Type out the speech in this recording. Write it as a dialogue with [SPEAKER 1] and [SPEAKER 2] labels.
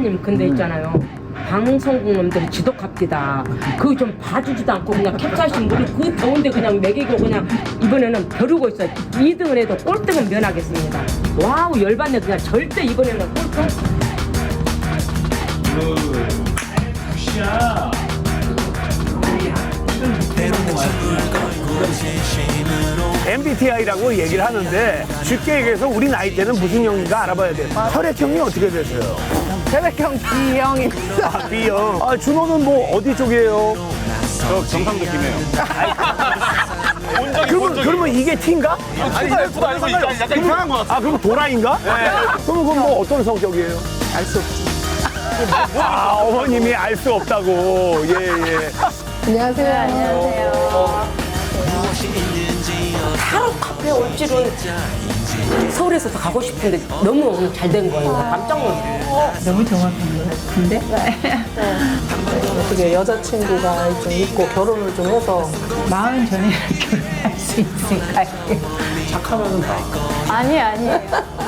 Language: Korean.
[SPEAKER 1] 사장님 근데 있잖아요. 방송국 놈들이 지독합디다. 그거 좀 봐주지도 않고 그냥 캡사이신 물을 그 더운데 그냥 먹이고 그냥 이번에는 벼르고 있어요. 2등을 해도 꼴등은 면하겠습니다. 와우 열받네. 그냥 절대 이번에는 꼴등.
[SPEAKER 2] 굿이야.
[SPEAKER 3] MBTI라고 얘기를 하는데 쉽게 얘기해서 우리 나이 때는 무슨 형인가 알아봐야 돼. 혈액형이 어떻게 되세요?
[SPEAKER 4] 혈액형 B형입니다.
[SPEAKER 3] 아, B형. 아, 준호는 뭐 어디 쪽이에요?
[SPEAKER 2] 저 경상도 김해요.
[SPEAKER 3] 그러면 이게 T인가?
[SPEAKER 2] 아니 이거 아니고 약간 이상한 것 같아.
[SPEAKER 3] 아, 그럼 도라인가? 네. 그럼 뭐 어떤 성격이에요?
[SPEAKER 4] 알 수 없지.
[SPEAKER 3] 아, 어머님이 알 수 없다고. 예, 예.
[SPEAKER 4] 안녕하세요. 안녕하세요.
[SPEAKER 1] 타로 카페 올 줄은 서울에서도 가고 싶은데 너무 잘 된 거예요. 깜짝 놀랐어요.
[SPEAKER 4] 너무 정확한 것 같은데?
[SPEAKER 5] 어떻게 여자친구가 좀 있고 결혼을 좀 해서
[SPEAKER 4] 마흔 전에 결혼할 수 있을까요?
[SPEAKER 5] 착하면 다
[SPEAKER 6] 아니에요.